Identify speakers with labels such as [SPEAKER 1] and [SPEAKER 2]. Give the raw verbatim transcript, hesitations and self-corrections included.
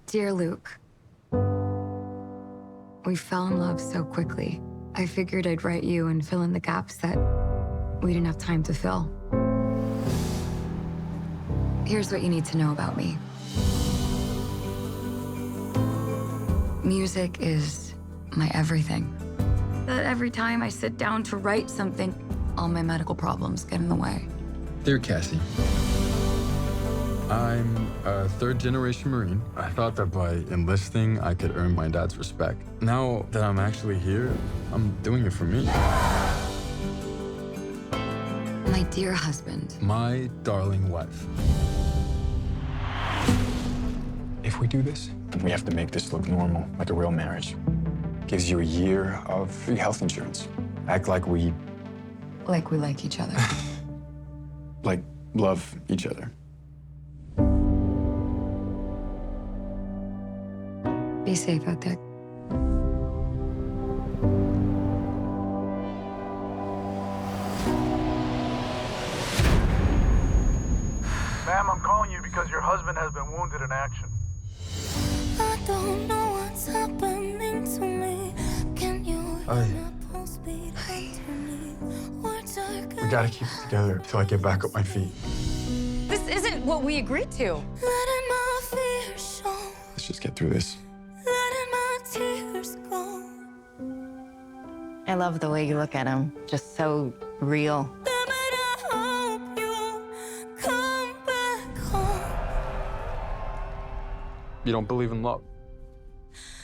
[SPEAKER 1] Dear Luke, we fell in love so quickly. I figured I'd write you and fill in the gaps that we didn't have time to fill. Here's what you need to know about me. Music is my everything. But every time I sit down to write something, all my medical problems get in the way.
[SPEAKER 2] Dear Cassie, I'm a third-generation Marine. I thought that by enlisting, I could earn my dad's respect. Now that I'm actually here, I'm doing it for me.
[SPEAKER 1] My dear husband.
[SPEAKER 2] My darling wife.
[SPEAKER 3] If we do this, then we have to make this look normal, like a real marriage. Gives you a year of free health insurance. Act like we,
[SPEAKER 1] Like we like each other.
[SPEAKER 3] like, love each other.
[SPEAKER 1] Be safe out there.
[SPEAKER 4] Ma'am, I'm calling you because your husband has been wounded in action.
[SPEAKER 5] I don't know what's happening to me. Can you
[SPEAKER 2] Hi.
[SPEAKER 5] hear my pulse beat underneath? Words are
[SPEAKER 3] We gotta keep it together till I get back up my feet.
[SPEAKER 6] This isn't what we agreed to.
[SPEAKER 5] letting my fears show,
[SPEAKER 3] Let's just get through this.
[SPEAKER 5] letting my tears go.
[SPEAKER 7] I love the way you look at him. Just so real.
[SPEAKER 5] Damn it, I hope you come back home.
[SPEAKER 2] You don't believe in love?